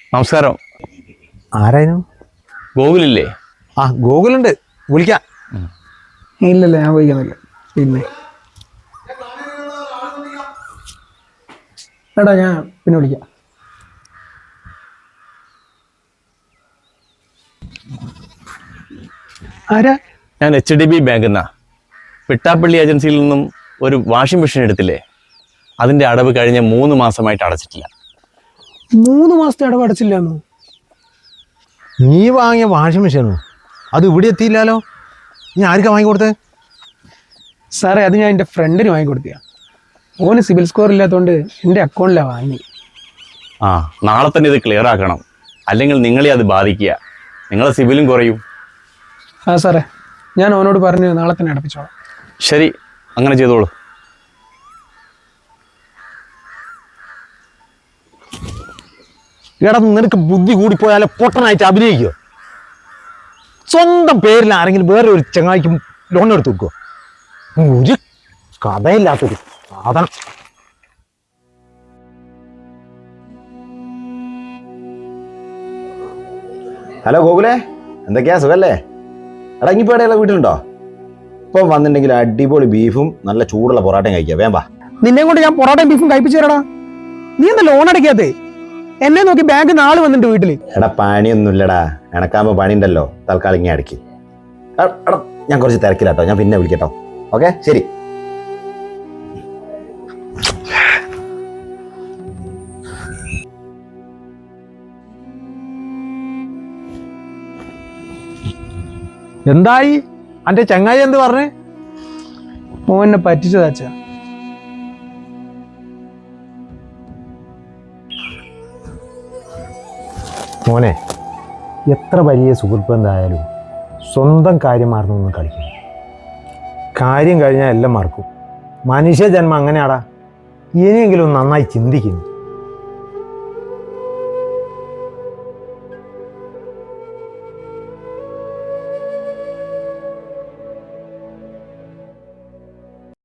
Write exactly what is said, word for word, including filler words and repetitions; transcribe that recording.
നമസ്കാരം. ആരായിരുന്നു? ഗോകുലില്ലേ? ആ ഗോകുലുണ്ട്, വിളിക്കാം. ഇല്ലല്ല, ഞാൻ വിളിക്കുന്നില്ല. പിന്നെ എടാ, ഞാൻ പിന്നെ വിളിക്കാം. ആരാ? ഞാൻ എച്ച് ഡി ബി ബാങ്കിൽ നിന്നാ. പിട്ടാപ്പള്ളി ഏജൻസിയിൽ നിന്നും ഒരു വാഷിംഗ് മെഷീൻ എടുത്തില്ലേ, അതിന്റെ അടവ് കഴിഞ്ഞ മൂന്ന് മാസമായിട്ട് അടച്ചിട്ടില്ല. മൂന്ന് മാസത്തെ അടവ് അടച്ചില്ലാന്നോ? നീ വാങ്ങിയ വാഷിംഗ് മെഷീനോ? അത് ഇവിടെ എത്തിയില്ലല്ലോ. നീ ആർക്കാ വാങ്ങിക്കൊടുത്തത്? സാറേ, അത് ഞാൻ എൻ്റെ ഫ്രണ്ടിന് വാങ്ങിക്കൊടുത്തിയാ. ഓന് സിബിൽ സ്കോർ ഇല്ലാത്തതുകൊണ്ട് എൻ്റെ അക്കൗണ്ടിലാണ് വാങ്ങി. ആ, നാളെ തന്നെ ഇത് ക്ലിയർ ആക്കണം, അല്ലെങ്കിൽ നിങ്ങളെ അത് ബാധിക്കുക. നിങ്ങളെ സിബിലും കുറയും. ആ സാറേ, ഞാൻ ഓനോട് പറഞ്ഞ് നാളെ തന്നെ അടപ്പിച്ചോളാം. ശരി, അങ്ങനെ ചെയ്തോളൂ. എടാ, നിനക്ക് ബുദ്ധി കൂടിപ്പോയാലോ പൊട്ടനായിട്ട് അഭിനയിക്കോ? സ്വന്തം പേരിൽ ആരെങ്കിലും വേറെ ഒരു ചങ്ങായിക്കും ലോൺ എടുത്ത് വെക്കോ? ഒരു കഥയില്ലാത്തൊരു സാധനം. ഹലോ ഗോകുലേ, എന്തൊക്കെയാ സുഖല്ലേ? എടാ, ഇനിയിപ്പോൾ എവിടെയുള്ള വീട്ടിലുണ്ടോ? ഇപ്പം വന്നിട്ടുണ്ടെങ്കിൽ അടിപൊളി ബീഫും നല്ല ചൂടുള്ള പൊറാട്ടയും കഴിക്കാം. വേമ്പാ. നിന്നെ കൊണ്ട് ഞാൻ പൊറോട്ടയും ബീഫും കഴിപ്പിച്ചു തരാടാ. നീ എന്താ ലോൺ അടയ്ക്കാത്തേ? എന്നെ നോക്കി ബാങ്ക് നാളെ വന്നിട്ട് വീട്ടില്. എടാ, പണിയൊന്നുമില്ലടാ, എനക്കാകുമ്പോൾ പണി ഉണ്ടല്ലോ. തൽക്കാലം ഇങ്ങനെ അടക്കി. എടാ, ഞാൻ കുറച്ച് തിരക്കിലാട്ടോ, ഞാൻ പിന്നെ വിളിക്കട്ടോ. ഓക്കെ, ശരി. എന്തായി അന്റെ ചങ്ങായി എന്ത് പറഞ്ഞേ? ഓനെ പറ്റിച്ചതാച്ചാ. മോനെ, എത്ര വലിയ സുഹൃത്ത് ബന്ധമായാലും സ്വന്തം കാര്യം മറന്നൊന്നും കളിക്കും. കാര്യം കഴിഞ്ഞാൽ എല്ലാം മറക്കും. മനുഷ്യജന്മം അങ്ങനെയാടാ. ഇനിയെങ്കിലും നന്നായി ചിന്തിക്കുന്നു.